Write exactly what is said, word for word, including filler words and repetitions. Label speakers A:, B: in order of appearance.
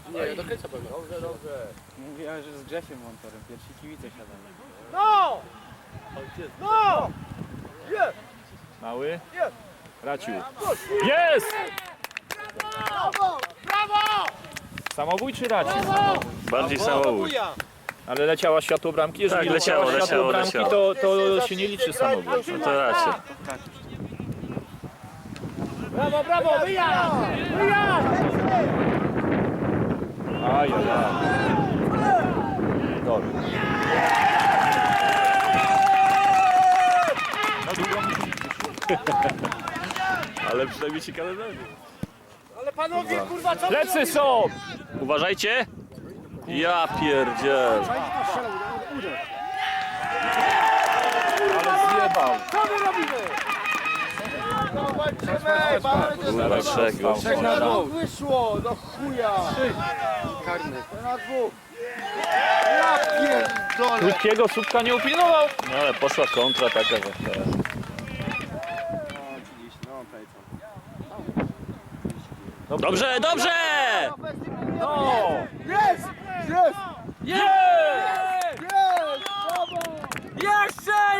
A: Nie, do końca pewno.
B: Dobrze, dobrze.
C: Mówiłem, że z Grzesiem Montorem pierwsi kibice siadali.
B: No! No! Jest!
D: Mały?
B: Jest!
D: Raciu. Jest!
B: Brawo! Brawo!
D: Samobój czy Raciu?
E: Bardziej samobój.
B: Buja!
D: Ale leciała światło bramki? Jeżeli
E: Tak,
D: leciało,
E: leciało,
D: światło
E: leciało,
D: bramki,
E: leciało.
D: to, to się nie liczy samobój.
E: No to raczej.
B: Brawo, brawo! Wyjazd! Wyjazd!
D: Aj, aj, aj. Dobry.
E: Ale przynajmniej się kalendarz.
B: Ale panowie, kurwa, co wy
D: Plecy
B: robicie?
D: są!
E: Uważajcie! Ja pierdziel.
D: Ale zjebał.
B: Co my robimy? No walczymy! Walczymy!
E: Kurwa, trzech go.
D: Trzech
B: Na dwóch wyszło! Do chuja!
A: Karny.
B: Na dwóch! Ja pierdolę!
D: Krótkiego słupka nie upilnował.
E: No ale poszła kontra taka, że... Dobrze, dobrze!
D: No!
B: Jest! Jest!
D: Jest!